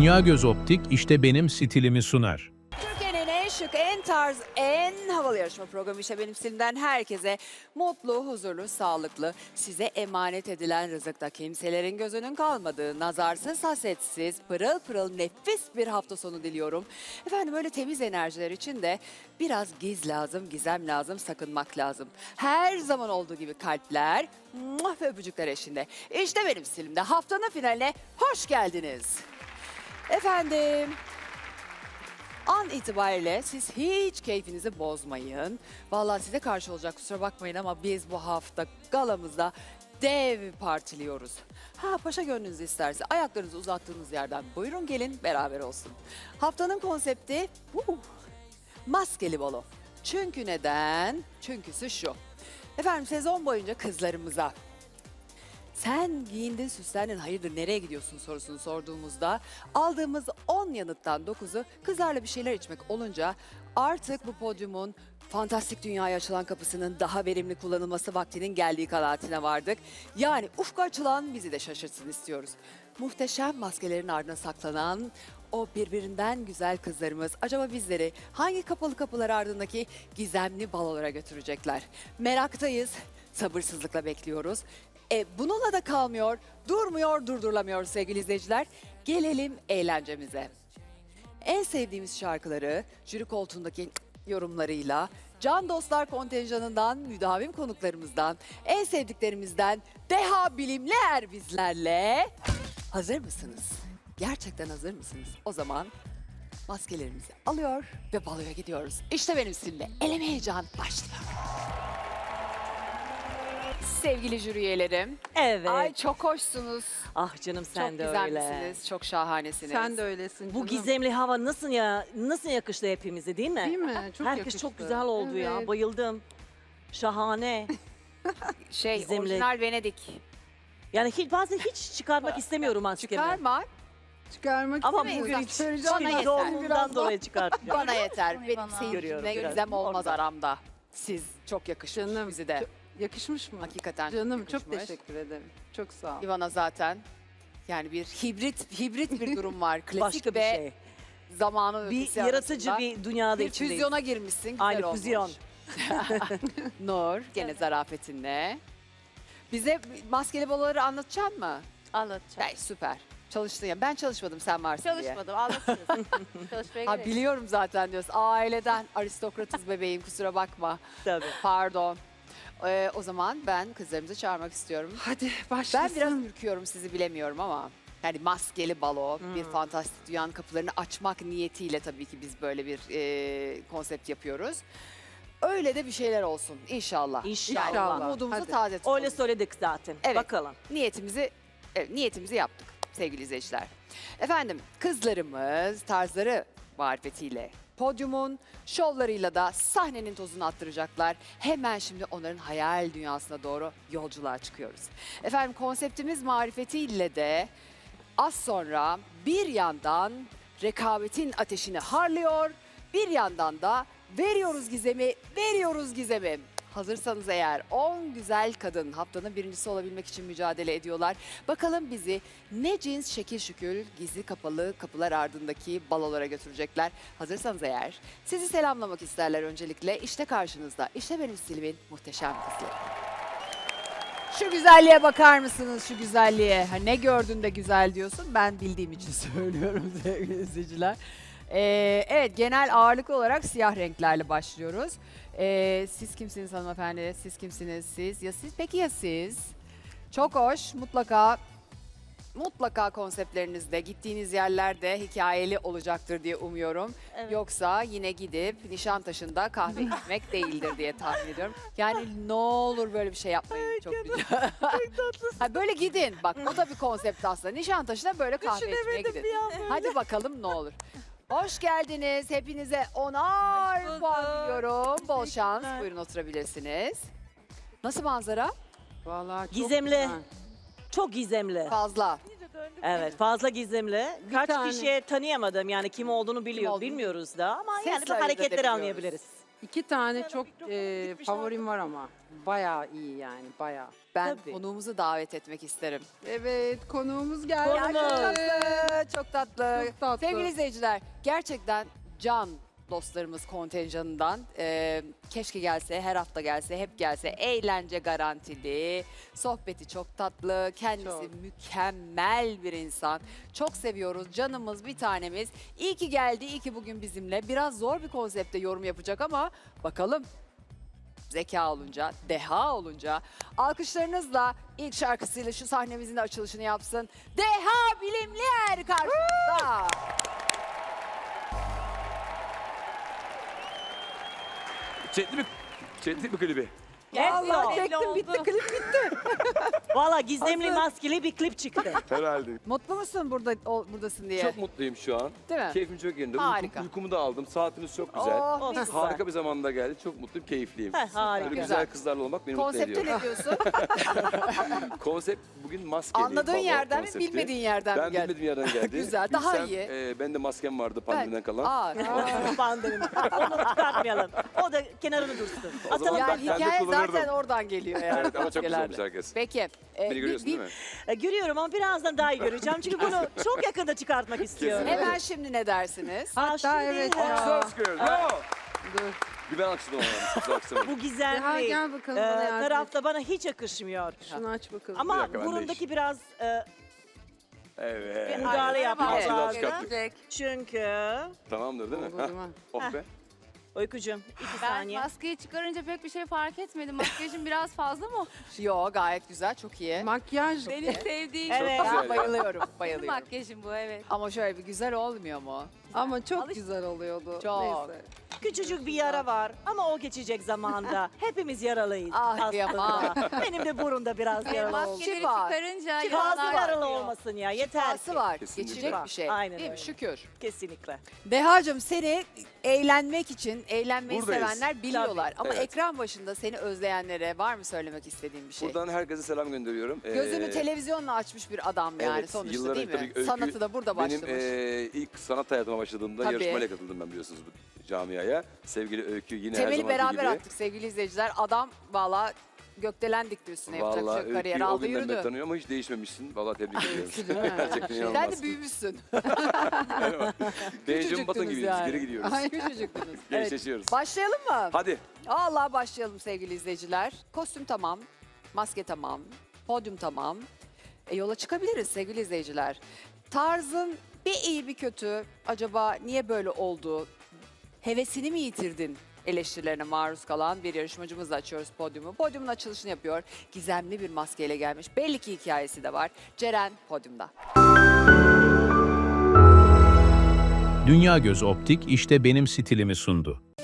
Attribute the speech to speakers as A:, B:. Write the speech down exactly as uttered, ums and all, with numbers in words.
A: Dünya Göz Optik işte benim stilimi sunar.
B: Türkiye'nin en şık, en tarz, en havalı yarışma programı işte benim stilimden herkese mutlu, huzurlu, sağlıklı, size emanet edilen rızıkta kimselerin gözünün kalmadığı, nazarsız, hasetsiz, pırıl pırıl nefis bir hafta sonu diliyorum. Efendim öyle temiz enerjiler için de biraz giz lazım, gizem lazım, sakınmak lazım. Her zaman olduğu gibi kalpler muah ve öpücükler eşinde. İşte benim stilimde haftanın finaline hoş geldiniz. Efendim... An itibariyle siz hiç keyfinizi bozmayın. Vallahi size karşı olacak kusura bakmayın ama biz bu hafta galamızda dev partiliyoruz. Ha paşa gönlünüz isterse ayaklarınızı uzattığınız yerden buyurun gelin beraber olsun. Haftanın konsepti uh, maskeli balo. Çünkü neden? Çünküsü şu. Efendim sezon boyunca kızlarımıza sen giyindin süslendin hayırdır nereye gidiyorsun sorusunu sorduğumuzda aldığımız on yanıttan dokuzu kızlarla bir şeyler içmek olunca artık bu podyumun fantastik dünyaya açılan kapısının daha verimli kullanılması vaktinin geldiği kanaatine vardık. Yani ufku açılan bizi de şaşırtsın istiyoruz. Muhteşem maskelerin ardına saklanan o birbirinden güzel kızlarımız acaba bizleri hangi kapalı kapılar ardındaki gizemli balolara götürecekler? Meraktayız, sabırsızlıkla bekliyoruz. E, bununla da kalmıyor, durmuyor, durdurulamıyor sevgili izleyiciler. Gelelim eğlencemize. En sevdiğimiz şarkıları jüri koltuğundaki yorumlarıyla, Can Dostlar kontenjanından, müdavim konuklarımızdan, en sevdiklerimizden deha bilimler bizlerle. Hazır mısınız? Gerçekten hazır mısınız? O zaman maskelerimizi alıyor ve baloya gidiyoruz. İşte benim sizinle eleme heyecan başlıyor. Sevgili jüri üyelerim.
C: Evet.
B: Ay çok hoşsunuz.
C: Ah canım sen
B: çok
C: de
B: güzelmişsiniz.
C: öyle.
B: Çok şahanesiniz.
D: Sen de öylesin
C: Bu
D: canım.
C: gizemli hava nasıl ya nasıl yakıştı hepimize değil mi?
D: Değil mi? Çok
C: Herkes
D: yakıştı.
C: çok güzel oldu ya.
D: Evet.
C: Bayıldım. Şahane.
B: Şey
C: Gizemli.
B: orijinal Venedik.
C: Yani hiç bazen hiç çıkarmak istemiyorum maskemi.
B: Çıkarma.
D: Çıkarmak
C: Ama
D: istemeyiz.
C: bugün hiç
D: Çıkaracağım.
B: Bana
C: şimdi
B: yeter.
C: doğumundan dolayı çıkartacağım.
B: Bana yeter. Benim
C: Görüyorum,
B: seyircimle
C: biraz.
B: gizem olmaz
C: Orada.
B: aramda. Siz çok yakışmış
D: Canım,
B: bizi de.
D: çok- yakışmış mı?
B: Hakikaten
D: Canım
B: yakışmış.
D: çok teşekkür ederim. Çok sağ ol.
B: Ivana zaten. Yani bir hibrit hibrit bir durum var. Klasik
C: Başka bir
B: ve
C: şey.
B: zamanın
C: Bir
B: ötesi
C: yaratıcı
B: arasında.
C: bir dünyada
B: bir
C: içindeyiz.
B: füzyona girmişsin. Güzel
C: Aynı
B: olmuş.
C: füzyon.
B: Nur gene zarafetinle. Bize maskeli baloları anlatacaksın mı?
E: Anlatacağım.
B: Ay, süper. Çalıştın ya. Ben çalışmadım sen varsın diye.
E: Çalışmadım, anlatıyorsun. Çalışmaya
B: Ha,
E: gerek.
B: biliyorum zaten diyorsun. Aileden aristokratız bebeğim kusura bakma.
C: Tabii.
B: Pardon. Ee, o zaman ben kızlarımızı çağırmak istiyorum.
D: Hadi
B: Ben
D: başlasın.
B: biraz ürküyorum sizi bilemiyorum ama. Yani maskeli balo, bir fantastik dünyanın kapılarını açmak niyetiyle tabii ki biz böyle bir e, konsept yapıyoruz. Öyle de bir şeyler olsun inşallah.
C: İnşallah.
B: Yani umudumuzu
D: Hadi.
B: taze tutalım.
C: Öyle söyledik zaten.
B: Evet.
C: Bakalım.
B: Niyetimizi evet, niyetimizi yaptık sevgili izleyiciler. Efendim kızlarımız tarzları marifetiyle podyumun şovlarıyla da sahnenin tozunu attıracaklar. Hemen şimdi onların hayal dünyasına doğru yolculuğa çıkıyoruz. Efendim konseptimiz marifetiyle de az sonra bir yandan rekabetin ateşini harlıyor, bir yandan da veriyoruz gizemi, veriyoruz gizemi. Hazırsanız eğer on güzel kadın haftanın birincisi olabilmek için mücadele ediyorlar. Bakalım bizi ne cins şekil şükül gizli kapalı kapılar ardındaki balolara götürecekler. Hazırsanız eğer sizi selamlamak isterler öncelikle. İşte karşınızda, işte benim stilimin muhteşem kızları. Şu güzelliğe bakar mısınız şu güzelliğe? Ha, ne gördün de güzel diyorsun? Ben bildiğim için söylüyorum sevgili izleyiciler. Ee, evet genel ağırlıklı olarak siyah renklerle başlıyoruz. Ee, siz kimsiniz hanımefendi? Siz kimsiniz siz? Ya siz? Peki ya siz? Çok hoş. Mutlaka mutlaka konseptlerinizde, gittiğiniz yerlerde hikayeli olacaktır diye umuyorum.
E: Evet.
B: Yoksa yine gidip Nişantaşı'nda kahve içmek değildir diye tahmin ediyorum. Yani ne olur böyle bir şey yapmayın. Çok güzel. Ha, böyle gidin. Bak o da bir konsept aslında. Nişantaşı'na böyle kahve içmeye gidin. Hadi bakalım ne olur. Hoş geldiniz. Hepinize onar puan diliyorum. Bol şans. Buyurun oturabilirsiniz. Nasıl manzara?
D: Vallahi çok
C: Gizemli.
D: güzel.
C: Çok gizemli.
B: Fazla.
C: Evet fazla gizemli.
D: Bir
C: Kaç
D: tane.
C: kişiye tanıyamadım yani kim olduğunu biliyor,
B: olduğunu
C: bilmiyoruz da ama
B: Sesle
C: yani bu
B: ayırt
C: hareketleri
B: edebiliyoruz.
C: anlayabiliriz.
D: İki tane
C: Sana
D: çok
C: mikrofon
D: e,
C: gitmiş
D: favorim var ama. Bayağı iyi yani bayağı.
B: Ben
C: Tabii.
B: konuğumuzu davet etmek isterim.
D: Evet konuğumuz geldi.
B: Ya çok tatlı, çok tatlı.
D: Çok tatlı.
B: Sevgili izleyiciler, gerçekten can dostlarımız kontenjanından e, keşke gelse, her hafta gelse, hep gelse. Eğlence garantili, sohbeti çok tatlı, kendisi
D: Çok.
B: mükemmel bir insan. Çok seviyoruz, canımız bir tanemiz. İyi ki geldi, iyi ki bugün bizimle. Biraz zor bir konsepte yorum yapacak ama bakalım. Zeka olunca, deha olunca alkışlarınızla ilk şarkısıyla şu sahnemizin de açılışını yapsın. Deha Bilimlier karşınızda.
F: Çekti mi? Çekti mi klibi?
B: Vallahi
C: Belli
B: çektim
C: oldu.
B: bitti klip bitti.
C: Valla gizemli
B: Hazır.
C: maskeli bir klip çıktı.
F: Herhalde.
B: Mutlu musun burada o- buradasın diye?
F: Çok mutluyum şu an.
B: Değil mi?
F: Keyfim çok yerinde.
B: Harika.
F: Uykum, uykumu da aldım. Saatiniz çok güzel.
B: Oh,
C: Olsun.
B: mis.
F: Harika bir zamanda geldi. Çok mutluyum, keyifliyim.
C: Heh, harika.
F: Böyle
B: Güzel.
F: güzel kızlarla olmak beni mutlu
B: Konsepte
F: ediyor.
B: ne diyorsun?
F: Konsept bugün maskeli.
B: Anladığın
F: baba
B: yerden mi,
F: konsepti.
B: bilmediğin yerden
F: ben
B: mi geldi?
F: bilmediğim yerden geldi.
B: Güzel, daha
F: Bilsem,
B: iyi.
F: E, ben de maskem vardı pandemiden kalan.
B: Aa,
C: Pandemi. Onu çıkartmayalım. O da kenarını dursun.
F: O zaman
C: Atalım.
B: yani
F: ben de
B: hikaye
F: kullanırdım.
B: zaten oradan geliyor yani.
F: Evet ama çok güzel
B: Genelde.
F: olmuş herkes.
B: Peki. e,
F: Beni
B: bir-
F: görüyorsun
B: bir-
F: değil mi?
C: E, Görüyorum ama birazdan daha iyi göreceğim. Çünkü bunu çok yakında çıkartmak istiyorum.
F: Kesinlikle.
B: Hemen şimdi ne dersiniz?
C: Aa, şimdi
D: evet
C: ha,
D: ya.
F: Güzel sıkıyoruz. Bravo.
D: Dur.
F: Bir ben alkışladım ama. Güzel alkışlamadım.
C: Bu
D: Deha
C: gizemli
D: gel bakalım
C: e,
D: bana yardım et.
C: tarafta bana hiç yakışmıyor.
D: Şunu aç bakalım.
F: Bir
C: Ama
F: dakika, ben de
C: burundaki
F: iş.
C: biraz e,
F: Evet.
C: müdahale yapmak
F: Ağzını
C: lazım.
F: çıkarttık.
C: Çünkü
F: Tamamdır değil mi?
D: Olur
F: Hah.
D: mu?
F: Oh be.
C: Uykucuğum iki
E: Ben
C: saniye.
E: maskeyi çıkarınca pek bir şey fark etmedim. Makyajım biraz fazla mı?
B: Yo gayet güzel, çok iyi.
D: Makyaj.
E: Benim sevdiğim
C: Evet.
B: Ben
F: Güzel.
B: bayılıyorum,
E: benim
B: bayılıyorum.
E: makyajım bu, evet.
B: Ama şöyle bir güzel olmuyor mu?
D: Ama çok
E: Alış-
D: güzel oluyordu.
B: Çok.
D: Neyse.
C: Küçücük bir yara var ama o geçecek zamanda. Hepimiz yaralıyız
B: Ah,
C: aslında.
B: kıyamam.
C: Benim de burunda biraz
E: Ve
C: yaralı oldu.
E: maskeleri
B: Şifa.
E: çıkarınca
C: Fazla
E: yaralar
C: yaralı
E: çıkıyor.
C: olmasın ya yeter ki.
B: Şifası var,
F: Kesinlikle.
B: geçecek bir şey.
C: Aynen
B: Değil mi?
C: öyle.
B: Şükür.
C: Kesinlikle.
B: Dehacığım seni eğlenmek için, eğlenmeyi
F: Buradayız.
B: sevenler biliyorlar. Ama
F: Evet.
B: ekran başında seni özleyenlere var mı söylemek istediğin bir şey?
F: Buradan herkese selam gönderiyorum. Ee,
B: Gözünü televizyonla açmış bir adam yani
F: evet,
B: sonuçta
F: yılların
B: değil mi?
F: tabii öykü-
B: Sanatı da burada
F: Benim
B: başlamış.
F: e, ilk sanat hayatıma başladığımda
B: Tabii.
F: yarışmayla katıldım ben biliyorsunuz bu camiaya. Sevgili Öykü yine her
B: Temeli
F: zamanki
B: beraber
F: gibi.
B: attık sevgili izleyiciler. Adam valla gökdelen dikti üstüne yapacak bir
F: Vallahi
B: şey yok. Kariyer
F: Öykü'yü o
B: aldı
F: günden beri
B: yürüdü.
F: tanıyorum ama hiç değişmemişsin. Vallahi tebrik ediyorum.
D: Değil mi?
F: Gerçekten
B: Sen
F: inanılmaz.
B: de büyümüşsün.
F: Benjamin Button gibiyiz.
B: yani.
F: Geri gidiyoruz.
B: Ay, küçücüktünüz. Evet.
F: Gençleşiyoruz.
B: Başlayalım mı?
F: Hadi.
B: Allah başlayalım sevgili izleyiciler. Kostüm tamam, maske tamam, podyum tamam. E, yola çıkabiliriz sevgili izleyiciler. Tarzın bir iyi bir kötü acaba niye böyle oldu? Hevesini mi yitirdin? Eleştirilerine maruz kalan bir yarışmacımızla açıyoruz podyumu. Podyumun açılışını yapıyor. Gizemli bir maskeyle gelmiş. Belli ki hikayesi de var. Ceren podyumda.
A: Dünya Göz Optik işte benim stilimi sundu.